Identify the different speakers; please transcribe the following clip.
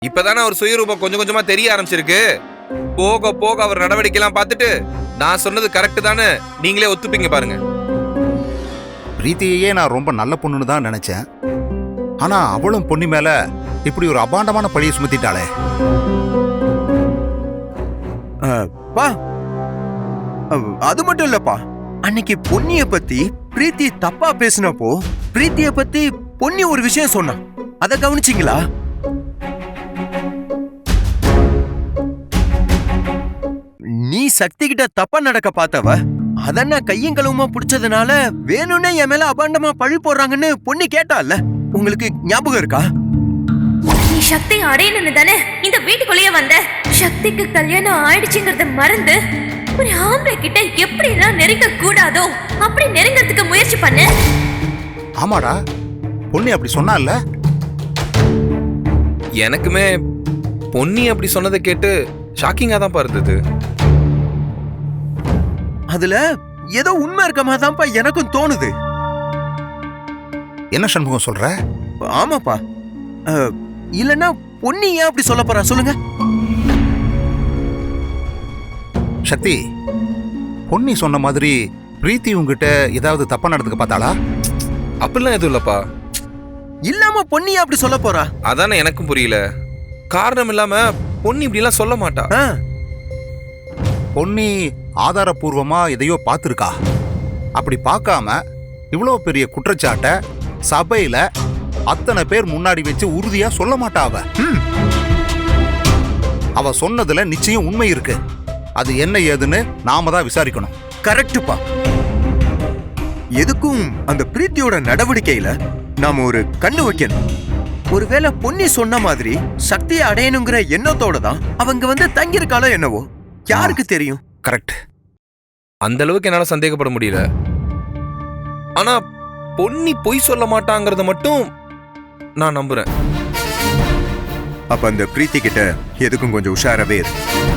Speaker 1: இப்பதானே அவர் சுயரூபம் கொஞ்சம் கொஞ்சமா தெரிய ஆரம்பிச்சிருக்கு. போக போக அவர் நடவடிக்கை எல்லாம் பார்த்துட்டு நான் சொன்னது கரெக்ட் தானே நீங்களே ஒத்துப்பீங்க பாருங்க.
Speaker 2: பிரீத்தியையே நான் ரொம்ப நல்ல பொண்ணுன்னு தான் நினைச்சேன். ஆனா அவளும் பொண்ணு மேல இப்படி ஒரு அபாண்டமான பழியை சுமத்திட்டாளே.
Speaker 3: பா, அது மட்டும் இல்லப்பா, அன்னைக்கு பொன்னிய பத்தி பிரீத்தி தப்பா பேசினப்போ பிரீத்திய பத்தி பொன்னி ஒரு விஷயம் சொன்னான். அத கவனிச்சீங்களா? நீ சக்தி கிட்ட தப்பா நடக்க பார்த்தவ அதென்ன கையும் களவுமா பிடிச்சதுனால வேணும்னே என் மேல அபாண்டமா பழி போடுறாங்கன்னு பொன்னி கேட்டால, உங்களுக்கு ஞாபகம் இருக்கா?
Speaker 4: நீ சக்தி அடையணும்னு தானே இந்த வீட்டுக்குள்ளேயே வந்த. சக்திக்கு கல்யாணம் ஆயிடுச்சுங்கறத மறந்து ஒரு ஆம்பளை கிட்ட எப்படி எல்லாம் நெருங்க கூடாதோ அப்படி நெருங்கிறதுக்கு முயற்சி பண்ண.
Speaker 2: ஆமாடா, பொண்ணு அப்படி சொன்னால.
Speaker 1: எனக்குமே பொன்னி அப்படி சொன்னதை கேட்டு ஷாக்கிங்கா தான் இருந்தது.
Speaker 3: அதுல ஏதோ உண்மை இருக்க மாதிரிதான்ப்பா எனக்கும் தோணுது.
Speaker 2: என்ன சண்முகம் சொல்ற?
Speaker 3: ஆமாப்பா, இல்லன்னா பொன்னி ஏன் அப்படி சொல்ல போறா சொல்லுங்க.
Speaker 2: சக்தி, பொன்னி சொன்ன மாதிரி பிரீத்தி உங்ககிட்ட ஏதாவது தப்பா நடந்துக்க பார்த்தாளா?
Speaker 1: அப்படிலாம் எதுவும் இல்லப்பா.
Speaker 3: இல்லாம பொன்னி அப்படி சொல்ல போறா?
Speaker 1: அதானே எனக்கும் புரியல. காரணம் இல்லாம பொன்னி இப்படி எல்லாம் சொல்ல மாட்டா.
Speaker 2: பொன்னி ஆதாரபூர்வமா எதையோ பார்த்திருக்கா. அப்படி பார்க்காம இவ்வளவு பெரிய குற்றச்சாட்டை சபையில அத்தனை பேர் முன்னாடி வச்சு உறுதியா சொல்ல மாட்டா. அவ சொன்னதுல நிச்சயம் உண்மை இருக்கு. அது என்ன ஏதுன்னு நாம தான் விசாரிக்கணும்.
Speaker 3: கரெக்டுப்பா. எதுக்கும் அந்த பிரீத்தியோட நடவடிக்கையில நாம ஒரு கண்ணு வைக்கணும். ஒருவேளை பொன்னி சொன்ன மாதிரி சக்தியை அடையணுங்கிற எண்ணத்தோட தான் அவங்க வந்து தங்கியிருக்காளோ என்னவோ, யாருக்கு தெரியும்?
Speaker 2: கரெக்ட்.
Speaker 1: அந்த அளவுக்கு என்னால சந்தேகப்பட முடியல. ஆனா பொன்னி பொய் சொல்ல மாட்டாங்கறத மட்டும் நான் நம்புறேன்.
Speaker 3: அப்ப அந்த பிரீத்தி கிட்ட எதுக்கும் கொஞ்சம் உஷாராவே இரு.